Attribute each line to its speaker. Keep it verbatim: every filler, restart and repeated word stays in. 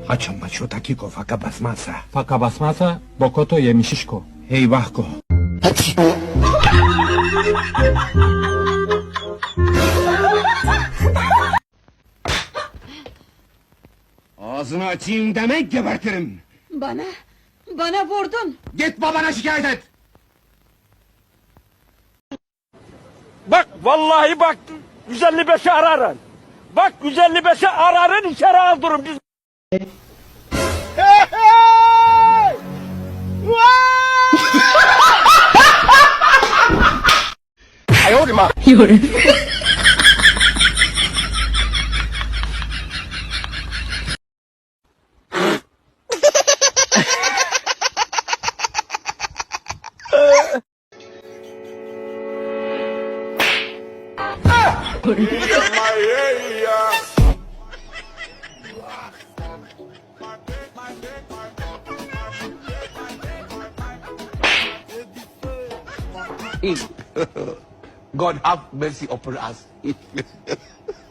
Speaker 1: Açın maço takiko faka basmazsa.
Speaker 2: Faka basmazsa Bokoto yemişişko.
Speaker 1: Eyvah ko. Ağzını açayım demek gebertirim.
Speaker 3: Bana, bana vurdun.
Speaker 1: Git babana şikayet et.
Speaker 4: Bak vallahi bak yüz elli beşi ararın. Bak yüz elli beşi ararın içeri aldırın biz.
Speaker 5: God have mercy upon us.